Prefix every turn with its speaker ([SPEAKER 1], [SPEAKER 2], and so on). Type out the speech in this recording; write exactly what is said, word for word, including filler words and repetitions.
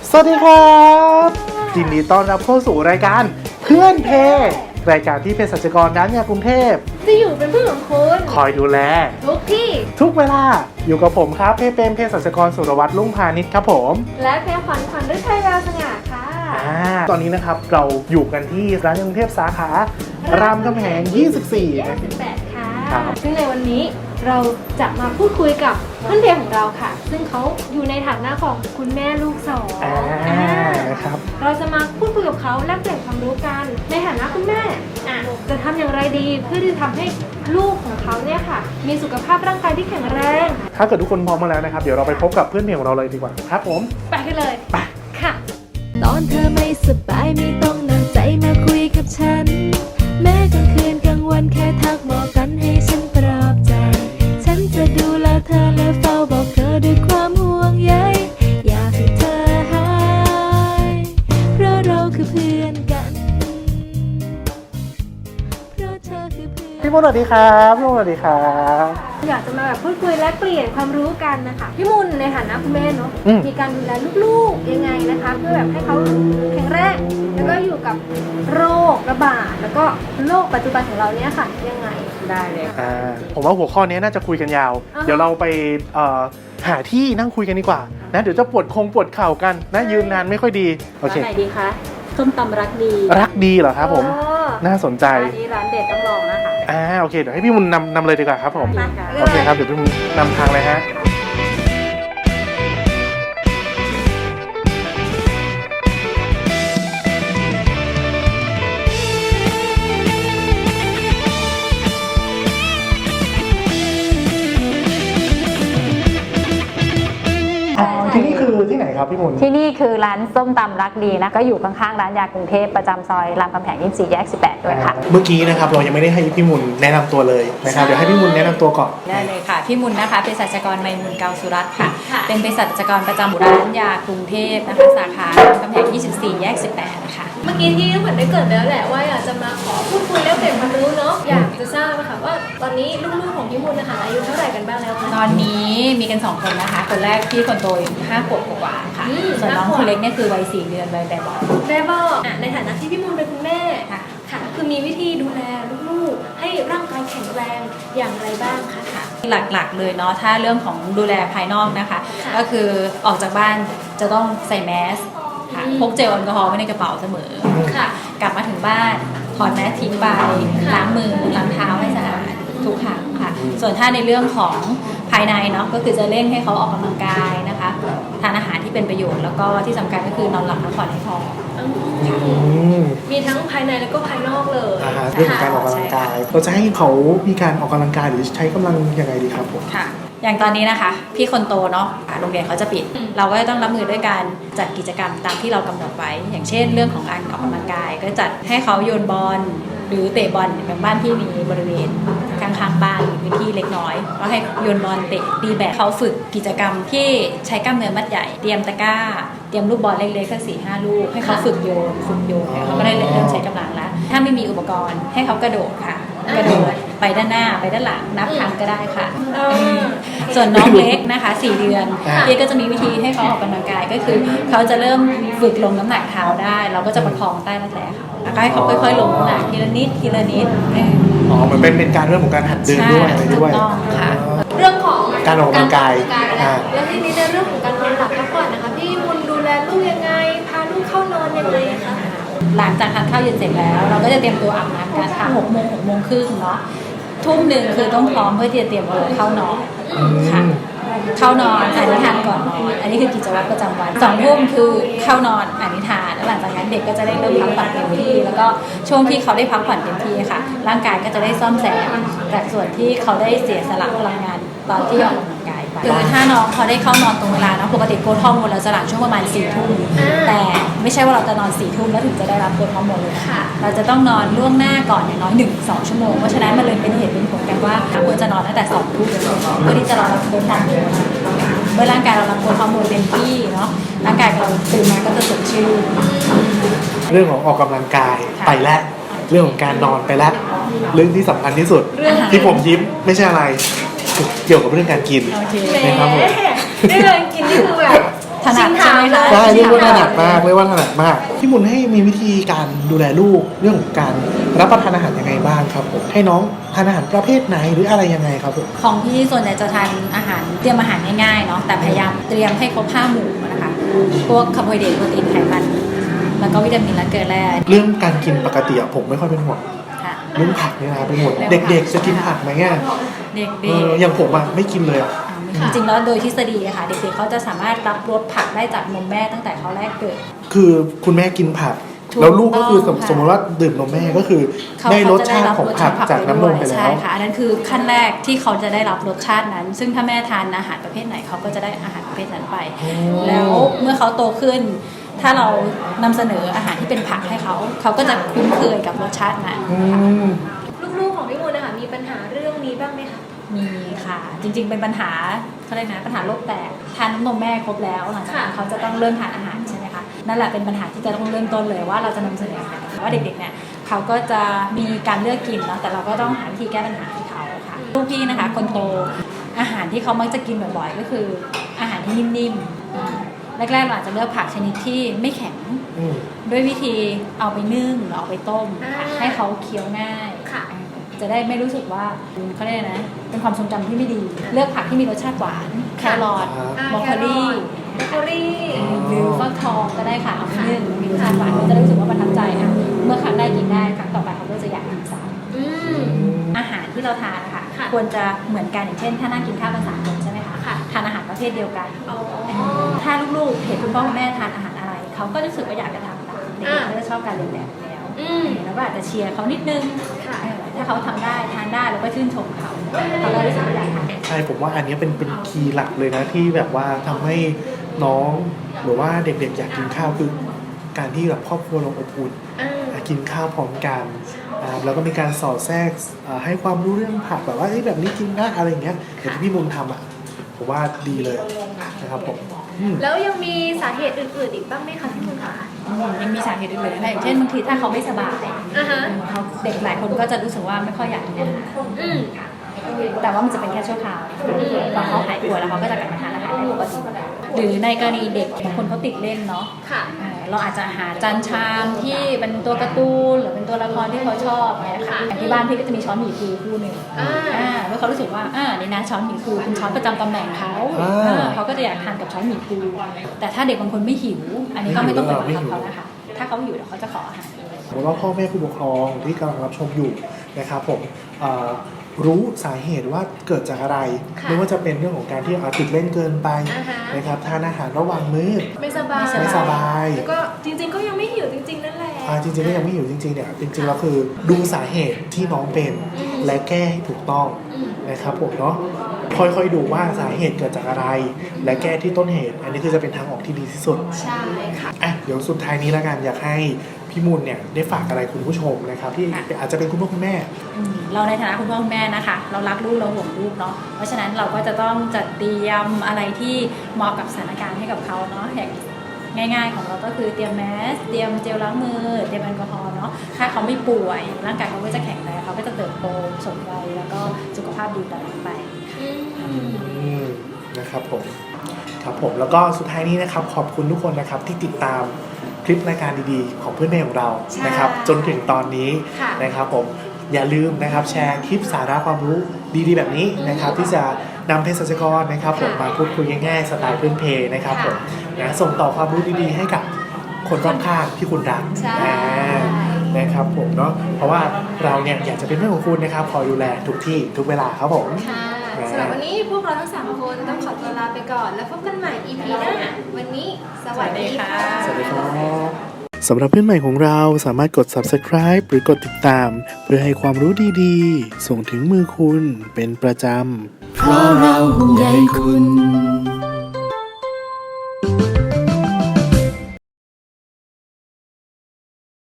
[SPEAKER 1] สวัสดีครับยินดีต้อนรับเข้าสู่รายการเพื่อนเพรายการที่เภสัชกรร้านยากรุงเทพ
[SPEAKER 2] จะอยู่เป็นเพื่อนของคุณ
[SPEAKER 1] คอยดูแล
[SPEAKER 2] ทุกที่
[SPEAKER 1] ทุกเวลาอยู่กับผมครับเพเป็นเภสัชกรสุรวัตรลุ่งพาณิชย์ครับผม
[SPEAKER 2] และเพขวัญขวัญฤทัยดาวสง่าค่ะ
[SPEAKER 1] อ่าตอนนี้นะครับเราอยู่กันที่ร้านยากรุงเทพสาขารามคำแหงยี่สิบสี่
[SPEAKER 2] ยี่สิบแปดค่ะซึ่งในวันนี้เราจะมาพูดคุยกับเพื่อนเพลของเราค่ะซึ่งเขาอยู่ในฐานะของคุณแม่ลูกสอง
[SPEAKER 1] ครับ
[SPEAKER 2] เราจะมาพูดคุยกับเขาแลกเปลี่ยนความรู้กันในฐานะคุณแม่อ่ะจะทำอย่างไรดีเพื่อที่จะทำให้ลูกของเขาเนี่ยค่ะมีสุขภาพร่างกายที่แข็งแรง
[SPEAKER 1] ถ้าเกิดทุกคนพร้อมมาแล้วนะครับเดี๋ยวเราไปพบกับเพื่อนเพลของเราเลยดีกว่าครับผม
[SPEAKER 2] ไปกันเลย
[SPEAKER 1] ไป
[SPEAKER 2] ค่ะ
[SPEAKER 3] ตอนเธอไม่สบายไม่ต้องนำใจมาคุยกับฉันแม้กลางคืนกลางวันแค่ทักบอกกันให้ฉันปลอบใจฉันจะดูแลเธอและเฝ้าบอกเธอด้วยความห่วงใยอยากให้เธอหายเพราะเราคือเพื่อนกันเพราะเธอคือเพื่อน
[SPEAKER 1] พี่มุนสวัสดีครับพี่มุนสวัสดีครับ
[SPEAKER 2] อยากจะมาแบบพูดคุยและเปลี่ยนความรู้กันนะคะพี่มุนในฐานะคุณแม่เนาะมีการดูแลลูกๆยังไงนะคะเพื่อแบบให้เขาแข็งแรงแล้วก็อยู่กับโรคระบาดแล้วก็โรคปัจจุบันของเราเนี่ยค่ะยังไง
[SPEAKER 3] ได้เลย
[SPEAKER 1] อ่าผมว่าหัวข้อนี้น่าจะคุยกันยาวเดี๋ยวเราไปเอ่อหาที่นั่งคุยกันดีกว่านะเดี๋ยวจะปวดคงปวดเข่ากันนะยืนนานไม่ค่อยดีโอเค
[SPEAKER 3] ร้านไหนดีคะส้มตำรักดี
[SPEAKER 1] รักดีเหรอครับผมน่าสนใจ
[SPEAKER 3] ร้านนี้ร้านเด็ดต้องลองนะคะ
[SPEAKER 1] อ่าโอเคเดี๋ยวให้พี่มุนนำนำเลยดีกว่าครับผมโอเคครับเดี๋ยวพี่มุนนำทางเลยฮะที่นี่คือที่ไหนครับพี่มุน
[SPEAKER 4] ที่นี่คือร้านส้มตำรักดีนะก็อยู่ข้างๆร้านยากรุงเทพประจำซอยรามคำแหงยี่สิบสี่แยกสิบแปดด้วยค่ะ
[SPEAKER 1] เมื่อกี้นะครับเรายังไม่ได้ให้พี่มุนแนะนำตัวเลยนะครับเดี๋ยวให้พี่มุนแนะนำตัวก่อน
[SPEAKER 3] ได้เลยค่ะพี่มุนนะคะเป็นเภสัชกรไมมุนเกาสุรัตน์ค่ะเป็นเภสัชกรประจำร้านยากรุงเทพนะคะสาขารามคำแหงยี่สิบสี่แยกสิบแปดนะคะ
[SPEAKER 2] เมื่อกี้ที่เหมือนได้เกิดไปแล้วแหละว่าอยากจะมาขอพูดคุยแลกเปลี่ยนความรู้เนาะอยากจะทราบนะคะว่าตอนนี้ลูกๆของพี่มุนนะคะอายุเท่าไหร่กันบ้างแล้วคะ
[SPEAKER 3] ตอนนี้มีกันสองคนนะคะคนแรกพี่คนโตอยู่ห้าขวบกว่าค่ะส่วนน้องคนเล็กเนี่ยคือวัยสี่เดือนวัยแบบบอก
[SPEAKER 2] แบบบอกในฐานะที่พี่มุนเป็นคุณแม่ค่ะค่ะคือมีวิธีดูแลลูกๆให้ร่างกายแข็งแรงอย่างไรบ้างคะค่ะ
[SPEAKER 3] หลักๆเลยเนาะถ้าเรื่องของดูแลภายนอกนะคะก็คือออกจากบ้านจะต้องใส่แมสค่ะพกเจลแอลกอฮอล์ไว้ในกระเป๋าเสมอค่ะกลับมาถึงบ้านถอดแมสทิ้งไปล้างมือล้างเท้าให้สะอาดทุกครั้งค่ะส่วนถ้าในเรื่องของภายในเนาะก็คือจะเร่งให้เขาออกกำลังกายนะคะทานอาหารที่เป็นประโยชน์แล้วก็ที่สำคัญก็คือนอนหลับพักผ่อนให้พอ
[SPEAKER 2] มีทั้งภายในแล้วก็ภายนอกเลย
[SPEAKER 1] เรื่องของการออกกำลังกายเราจะให้เขามีการออกกำลังกายหรือใช้กำลังยังไงดีครับผม
[SPEAKER 3] ค่ะอย่างตอนนี้นะคะพี่คนโตเนาะโรงเรียนเขาจะปิดเราก็ต้องรับมือด้วยการจัดกิจกรรมตามที่เรากำหนดไว้อย่างเช่นเรื่องของการออกกำลังกายก็จัดให้เขาโยนบอลหรือเตะบอลอย่างบ้านที่มีบริเวณข้างๆบ้านมีพื้นที่เล็กน้อยก็ให้โยนบอลเตะตีแบดเขาฝึกกิจกรรมที่ใช้กล้ามเนื้อมัดใหญ่เตรียมตะกร้าเตรียมลูกบอลเล็กๆสักสี่ห้าลูกให้เขาฝึกโยนฝึกโยนเขาก็ได้เริ่มใช้กำลังแล้วถ้าไม่มีอุปกรณ์ให้เขากระโดดค่ะกระโดดไปด้านหน้าไปด้านหลังนับครั้งก็ได้ค่ะส่วนน้องเล็กนะคะสี่เดือนพี่ก็จะมีวิธีให้เขาออกกำลังกายก็คือเขาจะเริ่มฝึกลงน้ำหนักเท้าได้เราก็จะประคองใต้รักแร้เขาแล้วก็ให้เขาค่อยๆลงน้ำหนักทีละนิดทีละนิด
[SPEAKER 1] อ๋อมันเป็นเป็นการเรื่องของการหัดเดินด้วยอะไรด้วย
[SPEAKER 3] ค่ะ
[SPEAKER 2] เรื่องของ
[SPEAKER 1] การออกกำลังกาย
[SPEAKER 2] แล้วทีนี้ในเรื่องของการนอนหลับพักผ่อนนะคะพี่มุนดูแลลูกยังไงพาลูกเข้านอนยังไงคะ
[SPEAKER 3] หลังจากทานข้าวเย็นเสร็จแล้วเราก็จะเตรียมตัวอาบน้ำกันค่ะหกโมงหกโมงครึ่งเนาะทุ่มหนึ่งคือต้องพร้อมเพื่อที่จะเตรียมตัวเข้านอนค่ะเข้านอนอ่านนิทานก่อนนอนอันนี้คือกิจวัตรประจำวันสองทุ่มคือเข้านอนอ่านนิทานแล้วหลังจากนั้นเด็กก็จะได้เริ่มพักผ่อนเต็มที่แล้วก็ช่วงที่เขาได้พักผ่อนเต็มที่ค่ะร่างกายก็จะได้ซ่อมแซมจากส่วนที่เขาได้เสียสละพลังงานตอนที่ออกกำลังกายไปคือถ้าน้องเขาได้เข้านอนตรงเวลานะปกติโกรทฮอร์โมนเราจะหลั่งช่วงประมาณสี่ทุ่มแต่ไม่ใช่ว่าเราจะนอนสี่ทุ่มแล้วถึงจะได้รับโกรทฮอร์โมนเลยค่ะเราจะต้องนอนล่วงหน้าก่อนอย่างน้อยหนึ่งสองชั่วโมงเพราะฉะนั้นมันเลยเป็นเหตุเป็นผลกันว่าควรจะนอนตั้งแต่สองทุ่มเพื่อที่จะรอรับโกรทฮอร์โมนเมื่อร่างกายเรารับโกรทฮอร์โมนเต็มที่เนาะร่างกายเราตื่นมาก็จะสดชื่น
[SPEAKER 1] เรื่องของออกกำลังกายไปแล้วเรื่องของการนอนไปแล้วเรื่องที่สำคัญที่สุดที่ผมยิ้มไม่ใช่อะไรเกี่ยวกับเรื่องการกิน
[SPEAKER 2] นะครับผมเรื่องกินนี่คือแบบ
[SPEAKER 3] ถนัดใช่ไหมคะ
[SPEAKER 1] ใช่เรียกว่าถนัดมากเรียกว่าถนัดมากพี่มุนให้มีวิธีการดูแลลูกเรื่องของการรับประทานอาหารยังไงบ้างครับผมให้น้องทานอาหารประเภทไหนหรืออะไรยังไงครับผม
[SPEAKER 3] ของพี่ส่วนใหญ่จะทานอาหารเตรียมอาหารง่ายๆเนาะแต่พยายามเตรียมให้ครบห้าหมู่นะคะพวกคาร์โบไฮเดรตโปรตีนไขมันแล้วก็วิตามินและเกลือแร่
[SPEAKER 1] เรื่องการกินปกติอะผมไม่ค่อยเป็นห่วง
[SPEAKER 3] ค่ะ
[SPEAKER 1] เรื่องผักเนี่ยนะเป็นห่วง
[SPEAKER 3] เรื่องผัก
[SPEAKER 1] เด็กๆจะกินผักไหมเนี่ย
[SPEAKER 3] เด็ก
[SPEAKER 1] เอออย่างผมอะไม่กินเลยอะ
[SPEAKER 3] ๆจริงๆแล้วโดยทฤษฎีอะค่ะเด็กๆเขาจะสามารถรับรสผักได้จากนมแม่ตั้งแต่เขาแรกเกิด
[SPEAKER 1] คือคุณแม่กินผัก
[SPEAKER 3] ถูก
[SPEAKER 1] แล้วลูกก็คือสม
[SPEAKER 3] ต้องค่ะ
[SPEAKER 1] สมมติว่าดื่มนมแม่ก็คือ
[SPEAKER 3] เขา
[SPEAKER 1] ได้รส
[SPEAKER 3] จะ
[SPEAKER 1] ชาติของผักจากน้ำนมไป
[SPEAKER 3] ด้วย
[SPEAKER 1] แล้
[SPEAKER 3] ใช่
[SPEAKER 1] ว
[SPEAKER 3] ค่ะอันนั้นคือขั้นแรกที่เขาจะได้รับรสชาตินั้น ซึ่งถ้าแม่ทานอาหารประเภทไหนเขาก็จะได้อาหารประเภทนั้นไป แล้วเมื่อเขาโตขึ้น ถ้าเรานำเสนออาหารที่เป็นผักให้เขา เขาก็จะคุ้นเคยกับรสชาตินั้น
[SPEAKER 1] อื
[SPEAKER 3] ค่ะ
[SPEAKER 1] ม
[SPEAKER 2] ลูกๆของพี่มุนนะคะมีปัญหาเรื่องนี้บ้างไหมคะ
[SPEAKER 3] มีค่ะ จริงๆเป็นปัญหาเขาเรียกนะปัญหาโรคแตกทานน้ำนมแม่ครบแล้วหลังจากนั้น
[SPEAKER 2] ค่ะ
[SPEAKER 3] เขาจะต้องเริ่มทานอาหารใช่ไหมคะนั่นแหละเป็นปัญหาที่จะต้องเริ่มต้นเลยว่าเราจะนำเสนออาหารว่าเด็กๆเนี่ยเขาก็จะมีการเลือกกินเนาะแต่เราก็ต้องหาวิธีแก้ปัญหาให้เขาค่ะลูกพี่นะคะ คนโตอาหารที่เขามักจะกินบ่อยๆก็คืออาหารที่นิ่มๆแรกๆเราอาจจะเลือกผักชนิดที่ไม่แข็ง
[SPEAKER 1] อืม
[SPEAKER 3] ด้วยวิธีเอาไปนึ่งหรือเอาไปต้มค่ะ
[SPEAKER 2] อ่า
[SPEAKER 3] ให้เขาเคี้ยวง่าย
[SPEAKER 2] ค่ะ
[SPEAKER 3] จะได้ไม่รู้สึกว่าเขาเรียกอะไรนะเป็นความทรงจำที่ไม่ดี เลือกผักที่มีรสชาติหวานแครอท
[SPEAKER 1] ครับ
[SPEAKER 2] อ่า
[SPEAKER 3] บรอกโคลี
[SPEAKER 2] บรอกโคลี
[SPEAKER 3] หรือฟักทองก็ได้ค่ะเอาไปนึ่งมีรสชาติหวานก็จะรู้สึกว่าประทับใจอ่ะเมื่อครั้งได้กินได้ครั้งต่อไปเขาก็จะอยากกินซ้ำ
[SPEAKER 2] อืม
[SPEAKER 3] อาหารที่เราทานนะคะ
[SPEAKER 2] ค่ะ
[SPEAKER 3] ควรจะเหมือนกันอย่างเช่น ถ้านั่งกินข้าวกันสามคนใช่ไหมคะ
[SPEAKER 2] ค่ะ
[SPEAKER 3] ทานอาหารประเภทเดียวกัน
[SPEAKER 2] อ๋อ
[SPEAKER 3] ถ้าลูกๆเห็นคุณพ่อคุณแม่ทานอาหารอะไรเขาก็รู้สึกว่าอยากจะทำตามเด็ก
[SPEAKER 2] อ่า
[SPEAKER 3] ๆเขาจะชอบการเรียนแบบอยู่แล้ว
[SPEAKER 2] อืม
[SPEAKER 3] แล้วก็อาจจะเชียร์เขานิดนึง
[SPEAKER 2] ค่ะ
[SPEAKER 3] เออถ้าเขาทำได้ทานได้แล้วก็ชื่นชมเขาเขาก็รู้สึกว่าอยากทำ
[SPEAKER 1] ใช่ผมว่าอันนี้เป็นเป็นคีย์หลักเลยนะที่แบบว่าทำให้น้องหรือว่าเด็กๆอยากกินข้าวคือการที่แบบครอบครัวเราอบอุ่น
[SPEAKER 2] อ่า
[SPEAKER 1] กินข้าวพร้อมกันอ่าแล้วก็มีการสอดแทรกอ่าให้ความรู้เรื่องผักแบบว่าเอ้ยแบบนี้กินนะอะไรอย่างเงี้ยอย่างที่พี่มุนทำอ่ะผมว่าดีเลยนะครับผมอืม
[SPEAKER 2] แล้วยังมีสาเหตุอื่นๆอีกบ้างไหมคะพี่มุนคะ
[SPEAKER 3] ยังมีสาเหตุอื่นๆนะคะอย่างเช่นบางทีถ้าเขาไม่สบาย
[SPEAKER 2] อ่าฮะ
[SPEAKER 3] เขาเด็กหลายคนก็จะรู้สึกว่าไม่ค่อยอยากกินอาหาร
[SPEAKER 2] อืม
[SPEAKER 3] แต่ว่ามันจะเป็นแค่ชั่วคราวพอเขาหายป่วยแล้วเขาก็จะกลับมาทานอาหารได้ปกติหรือในกรณีเด็กบางคนเขาติดเล่นเนาะ
[SPEAKER 2] ค่ะ
[SPEAKER 3] เอ่อเราอาจจะหาจานชามที่เป็นตัวการ์ตูนหรือเป็นตัวละครที่เขาชอบเนี่ยค่ะอย่างที่บ้านพี่ก็จะมีช้อนหมี่ฟูคู่หนึ่ง
[SPEAKER 2] อ่า
[SPEAKER 3] อ่าเมื่อเขารู้สึกว่าอ่านี่นะช้อนหมี่ฟูเป็นช้อนประจำตำแหน่งเขา
[SPEAKER 1] อ่า
[SPEAKER 3] อ่าเขาก็จะอยากทานกับช้อนหมี่ฟูแต่ถ้าเด็กบางคนไม่หิว อันนี้ก็ไม่ต้องไปบังคับเขานะคะถ้าเขาหิวเดี๋ยวเขาจะขออาหารเอง
[SPEAKER 1] ผมว่าพ่อแม่ผู้ปกครองที่กำลังรับชมอยู่นะครับผมเอ่อรู้สาเหตุว่าเกิดจากอะไร
[SPEAKER 2] ค่ะ
[SPEAKER 1] ไม่ว่าจะเป็นเรื่องของการที่เอาติดเล่นเกินไป
[SPEAKER 2] อ่าฮะ
[SPEAKER 1] นะครับทานอาหารระหว่างมื้อ
[SPEAKER 2] ไม่สบาย
[SPEAKER 1] ไม่สบาย
[SPEAKER 2] แล้วก็จริงๆก็ยังไม่หิวจริงๆนั่นแหละ
[SPEAKER 1] อ่าจริงๆก็ยังไม่หิวจริงๆเนี่ยจริงๆแล้วคือดูสาเหตุที่น้องเป็น
[SPEAKER 2] อืม
[SPEAKER 1] และแก้ให้ถูกต้อง
[SPEAKER 2] อืม
[SPEAKER 1] นะครับผมเนาะค่อยๆดูว่าสาเหตุเกิดจากอะไร และแก้ที่ต้นเหตุ อันนี้คือจะเป็นทางออกที่ดีที่สุด
[SPEAKER 2] ใช่ค่ะ
[SPEAKER 1] อ่ะเดี๋ยวสุดท้ายนี้แล้วกันอยากให้พี่มูลเนี่ยได้ฝากอะไรคุณผู้ชมนะครับที่อาจจะเป็นคุณพ่อคุณแม่
[SPEAKER 3] อืมเราในฐานะคุณพ่อคุณแม่นะคะ เรารักลูกเราห่วงลูกเนาะเพราะฉะนั้นเราก็จะต้องจัดเตรียมอะไรที่เหมาะกับสถานการณ์ให้กับเขาเนาะอย่างง่าย ๆ ของเราก็คือเตรียมแมสเตรียมเจลล้างมือเตรียมแอลกอฮอล์เนาะถ้าเขาไม่ป่วยร่างกายเขาก็จะแข็งแรงเขาก็จะเติบโตสมวัยแล้วก็สุขภาพดีตลอดไป
[SPEAKER 2] อืม
[SPEAKER 1] อืมนะครับผมครับผมแล้วก็สุดท้ายนี้นะครับขอบคุณทุกคนนะครับที่ติดตามคลิปรายการดีๆ ของเพื่อนแม่ของเรา
[SPEAKER 2] ใช่
[SPEAKER 1] นะครับจนถึงตอนนี้
[SPEAKER 2] ค่ะ
[SPEAKER 1] นะครับผมอย่าลืมนะครับแชร์คลิปสาระความรู้ดีๆ แบบนี้นะครับที่จะนำเภสัชกรนะครับผม
[SPEAKER 2] ค่ะ
[SPEAKER 1] มาพูดคุยง่ายๆสไตล์พื้นเพนะครับ
[SPEAKER 2] ค่ะ
[SPEAKER 1] ผมนะส่งต่อความรู้ดีๆ ให้กับคนรอบข้างที่คุณรัก
[SPEAKER 2] ใช่
[SPEAKER 1] อ่านะครับผมเนาะเพราะว่าเราเนี่ยอยากจะเป็นเพื่อนของคุณนะครับคอยดูแลทุกที่ทุกเวลาครับผม
[SPEAKER 2] ค่ะสำหรับวันนี้พวกเราทั้งสามคนต้องขอตัวลาไปก่อน แล้วพบกันใหม่ อี พี หน้า วันนี้สวัสดีค่ะ
[SPEAKER 1] สวัสดีครับสำหรับเพื่อนใหม่ของเราสามารถกด ซับสไครบ์ หรือกดติดตาม เพื่อให้ความรู้ดีๆ ส่งถึงมือคุณเป็นประจำ
[SPEAKER 5] เพราะเราห่วงใยคุณ